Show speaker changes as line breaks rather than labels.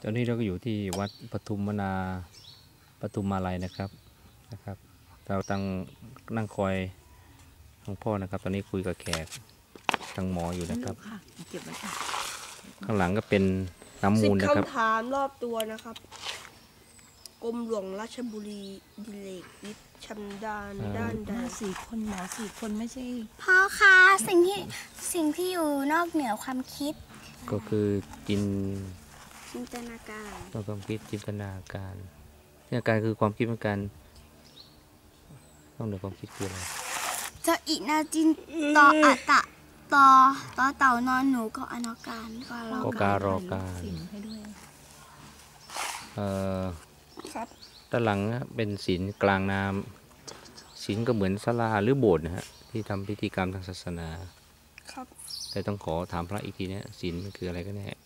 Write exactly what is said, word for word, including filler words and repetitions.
ตอนนี้เราก็อยู่ที่วัดปทุมมนาปทุมมาลัยนะครับนะครับ เราตั้งนั่งคอยหลวงพ่อนะครับ ตอนนี้คุยกับแขกทางหมออยู่นะครับข้างหลังก็เป็นน้ำมูลนะครับ
สิบคำถามรอบตัวนะครับกรมหลวงราชบุรีดิเลกวิทย์ชำนาญด้านใด
สี่คนหมอสี่คนไม่ใช่
พ่อคะสิ่งที่สิ่งที่อยู่นอกเหนือความคิด
ก็คือจิน
จินตนาการ
นอกความคิดจินตนาการจินตนาการคือความคิดเหมือนกันนอกเหนือความคิดคืออะไร
จะอีนาจินตออัตตะตอตอเต่านอนหนูก็อนาการก็รอ
ก็การอการ
สิ่งให้ด้วย
เอ่อ
ครับ
ด้านหลังเป็นศีลกลางน้ำศีลก็เหมือนศาลาหรือโบสถ์นะฮะที่ทำพิธีกรรมทางศาสนา
ครับ
แต่ต้องขอถามพระอีกทีเนี่ยศีลมันคืออะไรกันแน่